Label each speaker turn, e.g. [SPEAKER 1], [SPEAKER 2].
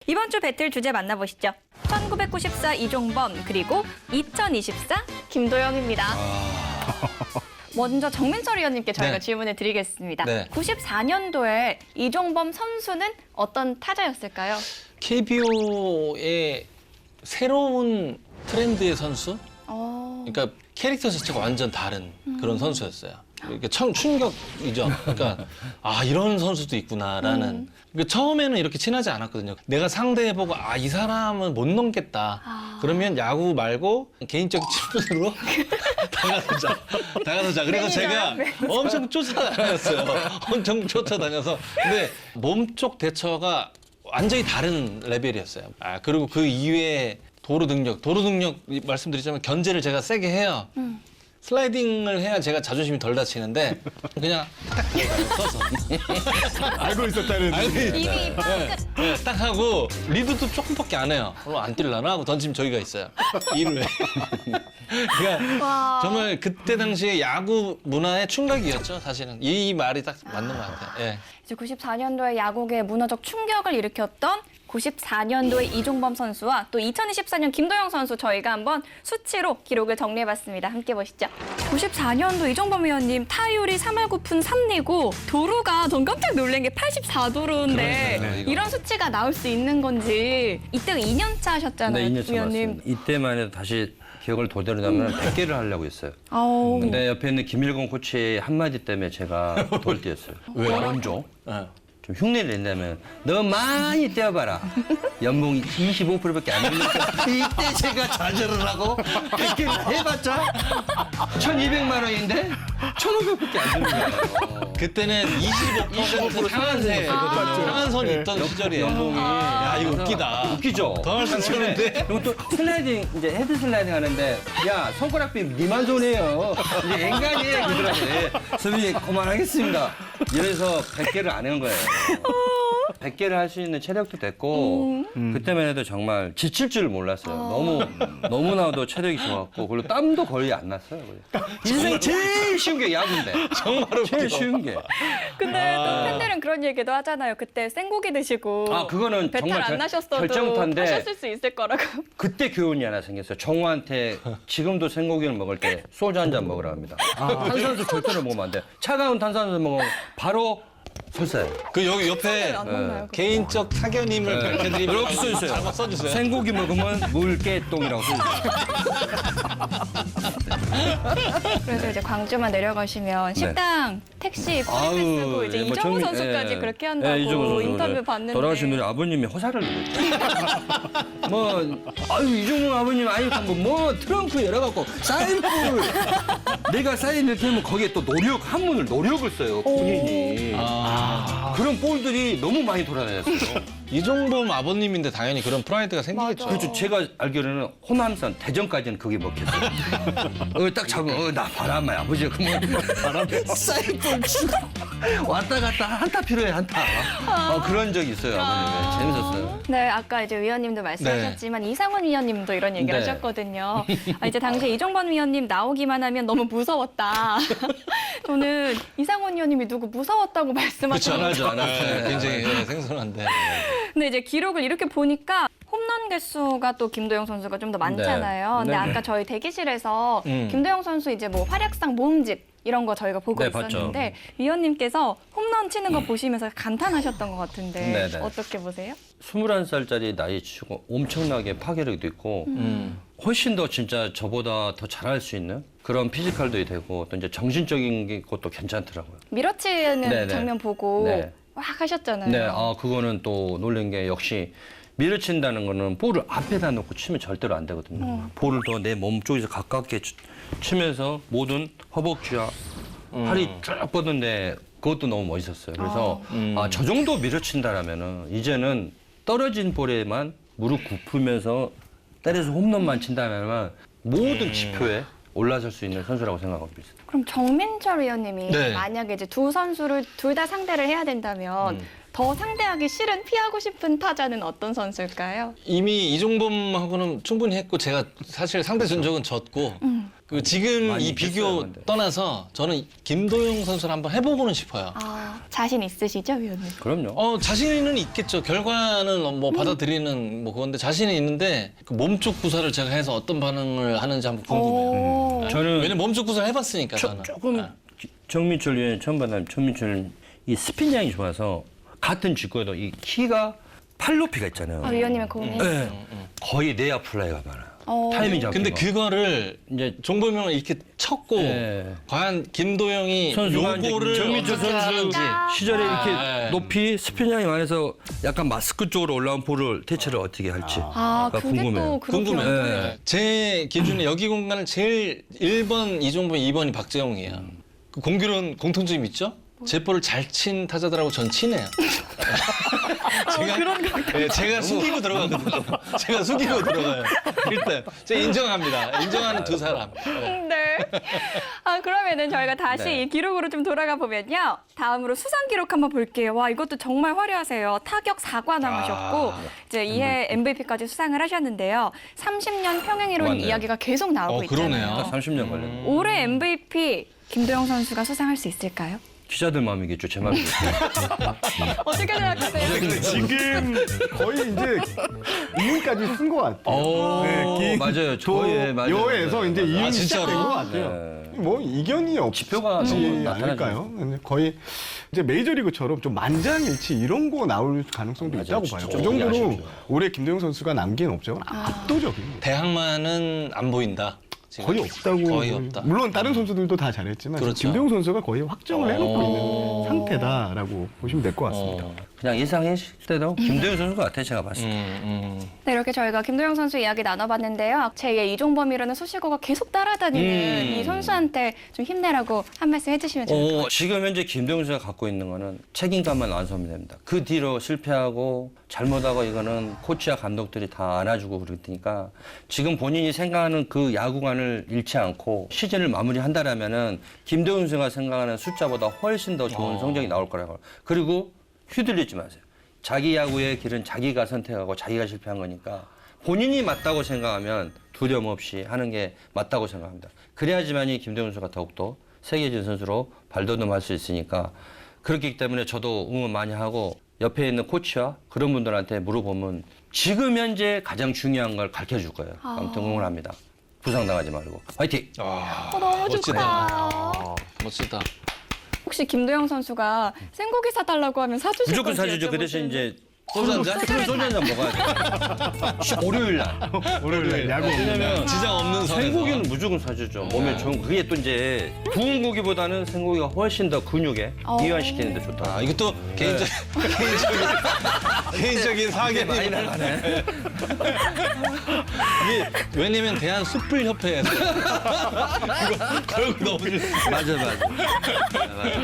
[SPEAKER 1] 이번 주 배틀 주제 만나보시죠. 1994 이종범 그리고 2024 김도영입니다. 먼저 정민철 위원님께 저희가
[SPEAKER 2] 네.
[SPEAKER 1] 질문을 드리겠습니다.
[SPEAKER 2] 네.
[SPEAKER 1] 94년도에 이종범 선수는 어떤 타자였을까요?
[SPEAKER 2] KBO의 새로운 트렌드의 선수?
[SPEAKER 1] 어...
[SPEAKER 2] 그러니까 캐릭터 자체가 완전 다른 그런 선수였어요. 이렇게 처음 충격이죠. 그러니까 아 이런 선수도 있구나라는. 그러니까 처음에는 이렇게 친하지 않았거든요. 내가 상대해보고 아 이 사람은 못 넘겠다. 그러면 야구 말고 개인적 친분으로 다가서자. 그래서 제가 엄청 쫓아다녔어요. 엄청 쫓아다녀서. 근데 몸쪽 대처가 완전히 다른 레벨이었어요. 아 그리고 그 이외에 도루 능력 말씀드리자면 견제를 제가 세게 해요. 슬라이딩을 해야 제가 자존심이 덜 다치는데 그냥 딱 서서
[SPEAKER 3] 알고 있었다는.
[SPEAKER 1] 이미
[SPEAKER 2] 네, 딱 하고 리드도 조금밖에 안 해요. 그럼 안 뛸라나 하고 던지면 저기가 있어요. 2루에. 그러니까
[SPEAKER 1] 와.
[SPEAKER 2] 정말 그때 당시에 야구 문화의 충격이었죠. 사실은 이 말이 딱 맞는 것 같아요. 예.
[SPEAKER 1] 이제 94년도에 야구계에 문화적 충격을 일으켰던 94년도의 이종범 선수와 또 2024년 김도영 선수 저희가 한번 수치로 기록을 정리해봤습니다. 함께 보시죠. 94년도 이종범 위원님 타율이 3할 9푼 3리고 도루가 전 깜짝 놀란 게 84도루인데
[SPEAKER 2] 그러니까요, 이거.
[SPEAKER 1] 이런 수치가 나올 수 있는 건지 이때가 2년 차 하셨잖아요,
[SPEAKER 4] 네, 2년 차
[SPEAKER 1] 위원님.
[SPEAKER 4] 맞습니다. 이때만 해도 다시 기억을 도대로 하면 100개를 하려고 했어요.
[SPEAKER 1] 아우.
[SPEAKER 4] 근데 옆에 있는 김일건 코치의 한마디 때문에 제가 돌 뛰었어요.
[SPEAKER 2] 왜요?
[SPEAKER 4] 먼저
[SPEAKER 2] 예.
[SPEAKER 4] 좀 흉내를 낸다면 너 많이 뛰어봐라. 연봉이 25%밖에 안 되니까 이때 제가 좌절을 하고 100개를 해봤자 1,200만 원인데 1,500밖에 안 되는 거예요.
[SPEAKER 2] 그때는 25% 상한세거든요. 상한선이 있던 시절이에요.
[SPEAKER 4] 연봉이.
[SPEAKER 2] 야 이거 웃기다.
[SPEAKER 4] 웃기죠?
[SPEAKER 2] 더 할 수 있는데.
[SPEAKER 4] 그리고 또 슬라이딩, 이제 헤드 슬라이딩 하는데, 야, 손가락비 니만 손해요. 이제 앵간이에요, 그러더라고요. 선생님, 그만하겠습니다. 이래서 100개를 안 한 거예요. 100개를 할 수 있는 체력도 됐고, 그때만 해도 정말 지칠 줄을 몰랐어요. 너무나도 체력이 좋았고, 그리고 땀도 거의 안 났어요. 인생 제일 쉬운 게 야구인데.
[SPEAKER 2] 정말
[SPEAKER 4] 제일
[SPEAKER 2] 웃겨.
[SPEAKER 4] 쉬운 게.
[SPEAKER 1] 근데 또 팬들은 그런 얘기도 하잖아요. 그때 생고기 드시고
[SPEAKER 4] 아, 그거는
[SPEAKER 1] 배탈
[SPEAKER 4] 정말
[SPEAKER 1] 안 나셨어도
[SPEAKER 4] 결정타인데
[SPEAKER 1] 하셨을 수 있을 거라고.
[SPEAKER 4] 그때 교훈이 하나 생겼어요. 정우한테 지금도 생고기를 먹을 때 소주 한 잔 먹으라 합니다. 탄산수 절대로 먹으면 안 돼. 차가운 탄산수 먹으면 바로 설사해요.
[SPEAKER 2] 그 여기 옆에
[SPEAKER 1] 안 먹나요? 그거?
[SPEAKER 2] 개인적 사견임을 밝혀드리면
[SPEAKER 4] 이렇게 써주세요.
[SPEAKER 2] 잘못 써주세요.
[SPEAKER 4] 생고기 먹으면 물개똥이라고 써주세요.
[SPEAKER 1] 그래서 이제 광주만 내려가시면
[SPEAKER 4] 네.
[SPEAKER 1] 식당, 택시,
[SPEAKER 4] 아유,
[SPEAKER 1] 프리패 쓰고 이제
[SPEAKER 4] 예, 뭐
[SPEAKER 1] 이정우
[SPEAKER 4] 정민-
[SPEAKER 1] 선수까지
[SPEAKER 4] 예.
[SPEAKER 1] 그렇게 한다고
[SPEAKER 4] 예, 이정우 선수.
[SPEAKER 1] 인터뷰
[SPEAKER 4] 네.
[SPEAKER 1] 봤는데.
[SPEAKER 4] 돌아가신 분이 아버님이 호사를 누렸죠. 아유, 이정우 아버님 아니까 뭐 트렁크 열어갖고 사인볼. 내가 사인을 되면 거기에 또 한문을 노력을 써요, 본인이. 그런 볼들이 너무 많이 돌아다녔어요.
[SPEAKER 2] 이종범 아버님인데 당연히 그런 프라이드가 생기겠죠.
[SPEAKER 4] 그렇죠. 제가 알기로는 호남선 대전까지는 그게 먹혔어요. 딱 잡으면 나 바람아 아버지가 그러면 바람에 사이볼 치고 왔다 갔다 한타 필요해 한타. 그런 적이 있어요 아버님. 재밌었어요.
[SPEAKER 1] 네, 아까 이제 위원님도 말씀하셨지만 이상훈 위원님도 이런 얘기를
[SPEAKER 4] 네.
[SPEAKER 1] 하셨거든요. 이제 당시에 이종범 위원님 나오기만 하면 너무 무서웠다. 저는 이상훈 위원님이 누구 무서웠다고
[SPEAKER 2] 그렇죠.
[SPEAKER 1] 말씀하셨는데
[SPEAKER 4] 안 하죠, 안 하죠.
[SPEAKER 2] 네, 굉장히 생소한데.
[SPEAKER 1] 근데 이제 기록을 이렇게 보니까 홈런 개수가 또 김도영 선수가 좀 더 많잖아요.
[SPEAKER 4] 네.
[SPEAKER 1] 근데
[SPEAKER 4] 네,
[SPEAKER 1] 아까
[SPEAKER 4] 네.
[SPEAKER 1] 저희 대기실에서
[SPEAKER 2] 음.
[SPEAKER 1] 김도영 선수 이제 뭐 활약상 모음집 이런 거 저희가 보고
[SPEAKER 4] 네, 봤죠.
[SPEAKER 1] 있었는데 위원님께서 홈런 치는 거 보시면서 감탄하셨던 것 같은데
[SPEAKER 4] 네, 네.
[SPEAKER 1] 어떻게 보세요?
[SPEAKER 4] 21살짜리 나이 치고 엄청나게 파괴력도 있고 훨씬 더 진짜 저보다 더 잘할 수 있는 그런 피지컬도 되고 또 이제 정신적인 것도 괜찮더라고요.
[SPEAKER 1] 밀어치는
[SPEAKER 4] 네, 네.
[SPEAKER 1] 장면 보고
[SPEAKER 4] 네.
[SPEAKER 1] 확 하셨잖아요.
[SPEAKER 4] 네, 그거는 또 놀란 게 역시 밀어친다는 거는 볼을 앞에다 놓고 치면 절대로 안 되거든요. 볼을 더 내 몸 쪽에서 가깝게 치면서 모든 허벅지와 팔이 쭉 뻗는데 그것도 너무 멋있었어요. 그래서 저 정도 밀어친다라면은 이제는 떨어진 볼에만 무릎 굽히면서 때려서 홈런만 친다면 모든 지표에 올라설 수 있는 선수라고 생각하고 있습니다.
[SPEAKER 1] 그럼 정민철 위원님이
[SPEAKER 2] 네.
[SPEAKER 1] 만약에 이제 두 선수를 둘 다 상대를 해야 된다면 더 상대하기 싫은 피하고 싶은 타자는 어떤 선수일까요?
[SPEAKER 2] 이미 이종범하고는 충분히 했고 제가 사실 상대 전적은 졌고 그 지금
[SPEAKER 4] 많이
[SPEAKER 2] 이 비교
[SPEAKER 4] 있겠어요, 근데.
[SPEAKER 2] 떠나서 저는 김도영 선수를 한번 해보고는 싶어요.
[SPEAKER 1] 아, 자신 있으시죠, 위원님?
[SPEAKER 4] 그럼요.
[SPEAKER 2] 자신은 있겠죠. 결과는 뭐 받아들이는 뭐 그건데 자신이 있는데 그 몸쪽 구사를 제가 해서 어떤 반응을 하는지 한번 궁금해요.
[SPEAKER 1] 오.
[SPEAKER 4] 저는
[SPEAKER 2] 왜냐면 몸쪽 구사를 해봤으니까 저는.
[SPEAKER 4] 조금
[SPEAKER 2] 네.
[SPEAKER 4] 정민철 위원 처음 봤는데 정민철은 이 스핀량이 좋아서 같은 직구에도 이 키가 팔 높이가 있잖아요.
[SPEAKER 1] 아, 위원님의 고민.
[SPEAKER 4] 네. 거의 내야 플라이가 많아요.
[SPEAKER 1] 어.
[SPEAKER 4] 타이밍 잡히고.
[SPEAKER 2] 근데 그거를
[SPEAKER 4] 이제
[SPEAKER 2] 종범형을 이렇게 쳤고
[SPEAKER 4] 네.
[SPEAKER 2] 과연 김도영이
[SPEAKER 4] 선수가 이제
[SPEAKER 2] 요거를
[SPEAKER 4] 정민철
[SPEAKER 2] 어떻게
[SPEAKER 4] 선수
[SPEAKER 2] 하는지.
[SPEAKER 4] 시절에 이렇게
[SPEAKER 2] 네.
[SPEAKER 4] 높이 스핀량이 많아서 약간 마스크 쪽으로 올라온 볼을 대체를 어떻게 할지.
[SPEAKER 1] 아,
[SPEAKER 4] 그러니까
[SPEAKER 1] 그게
[SPEAKER 4] 궁금해요.
[SPEAKER 1] 또 그렇게
[SPEAKER 2] 궁금해요.
[SPEAKER 1] 연결이
[SPEAKER 2] 네. 제 기준에 여기 공간을 제일 1번 이종범, 2번이 박재홍이에요. 그 공교로운 공통점이 있죠? 제 볼을 잘 친 타자들하고 전 친해요. 제가 숙이고 들어가거든요. 제가 숙이고 들어가요. 일단 제가 인정합니다. 인정하는 두 사람. 네.
[SPEAKER 1] 네. 아, 그러면은 저희가 다시
[SPEAKER 4] 네.
[SPEAKER 1] 이 기록으로 좀 돌아가 보면요. 다음으로 수상 기록 한번 볼게요. 와, 이것도 정말 화려하세요. 타격 4관왕 하셨고 이제 이해 MVP까지 수상을 하셨는데요. 30년 평행 이론
[SPEAKER 4] 맞네요.
[SPEAKER 1] 이야기가 계속 나오고
[SPEAKER 2] 그러네요.
[SPEAKER 1] 있잖아요.
[SPEAKER 4] 30년 걸렸네.
[SPEAKER 1] 올해 MVP 김도영 선수가 수상할 수 있을까요?
[SPEAKER 4] 기자들 마음이겠죠, 제 마음이겠죠.
[SPEAKER 1] 어떻게 생각하세요?
[SPEAKER 3] 지금 거의 이제 이윤까지 쓴 것 같아요.
[SPEAKER 4] 오, 맞아요. 저희 맞아요.
[SPEAKER 3] 여에서 이제 이윤이
[SPEAKER 2] 진짜로?
[SPEAKER 3] 시작된 것 같아요. 뭐 이견이 없지
[SPEAKER 4] 지표가 너무
[SPEAKER 3] 않을까요? 근데 거의 이제 메이저리그처럼 좀 만장일치 이런 거 나올 가능성도
[SPEAKER 4] 맞아요.
[SPEAKER 3] 있다고 봐요.
[SPEAKER 4] 진짜
[SPEAKER 3] 그 정도로
[SPEAKER 4] 아쉽죠.
[SPEAKER 3] 올해 김도영 선수가 남긴 업적은 압도적입니다.
[SPEAKER 2] 대항마는 안 보인다. 지금.
[SPEAKER 3] 거의 없다고.
[SPEAKER 2] 거의 없다.
[SPEAKER 3] 물론 다른 선수들도 다 잘했지만
[SPEAKER 2] 그렇죠.
[SPEAKER 3] 김도영 선수가 거의 확정을 해놓고
[SPEAKER 2] 오.
[SPEAKER 3] 있는 상태다라고 보시면 될 것 같습니다.
[SPEAKER 4] 그냥 예상했을 때도 김도영 선수 같아, 제가 봤을 때.
[SPEAKER 1] 네, 이렇게 저희가 김도영 선수 이야기 나눠봤는데요. 제2의 이종범이라는 수식어가 계속 따라다니는 이 선수한테 좀 힘내라고 한 말씀 해주시면 좋을 것 같아요.
[SPEAKER 4] 지금 현재 김도영 선수가 갖고 있는 거는 책임감만 완수하면 됩니다. 그 뒤로 실패하고 잘못하고 이거는 코치와 감독들이 다 안아주고 그러니까 지금 본인이 생각하는 그 야구관을 잃지 않고 시즌을 마무리한다라면은 김도영 선수가 생각하는 숫자보다 훨씬 더 좋은 성적이 나올 거라고. 그리고 휘둘리지 마세요. 자기 야구의 길은 자기가 선택하고 자기가 실패한 거니까 본인이 맞다고 생각하면 두려움 없이 하는 게 맞다고 생각합니다. 그래야지만이 김도영 선수가 더욱더 세계적인 선수로 발돋움할 수 있으니까 그렇기 때문에 저도 응원 많이 하고 옆에 있는 코치와 그런 분들한테 물어보면 지금 현재 가장 중요한 걸 가르쳐 줄 거예요. 아무튼 응원합니다. 부상당하지 말고 화이팅!
[SPEAKER 1] 너무
[SPEAKER 2] 멋지다.
[SPEAKER 1] 좋다.
[SPEAKER 2] 멋지다.
[SPEAKER 1] 혹시 김도영 선수가 생고기 사달라고 하면 사주실
[SPEAKER 4] 무조건
[SPEAKER 1] 건지
[SPEAKER 4] 사주죠. 그 대신
[SPEAKER 1] 여쭤보시는데.
[SPEAKER 4] 이제
[SPEAKER 2] 소주 한 잔?
[SPEAKER 4] 소주 한 잔 먹어야 돼. 월요일 날.
[SPEAKER 3] 월요일 야구
[SPEAKER 4] 왜냐면
[SPEAKER 2] 지장 없는 선에서.
[SPEAKER 4] 생고기는 무조건 사주죠. 몸에 좋은 그게 또 이제 구운 고기보다는 생고기가 훨씬 더 근육에 이완시키는 데 좋다.
[SPEAKER 2] 아, 이것도 개인적인 사견이
[SPEAKER 4] 많이 나가네.
[SPEAKER 2] 이게 왜냐면 대한 숯불 협회에서 이거 너무
[SPEAKER 4] 맞아.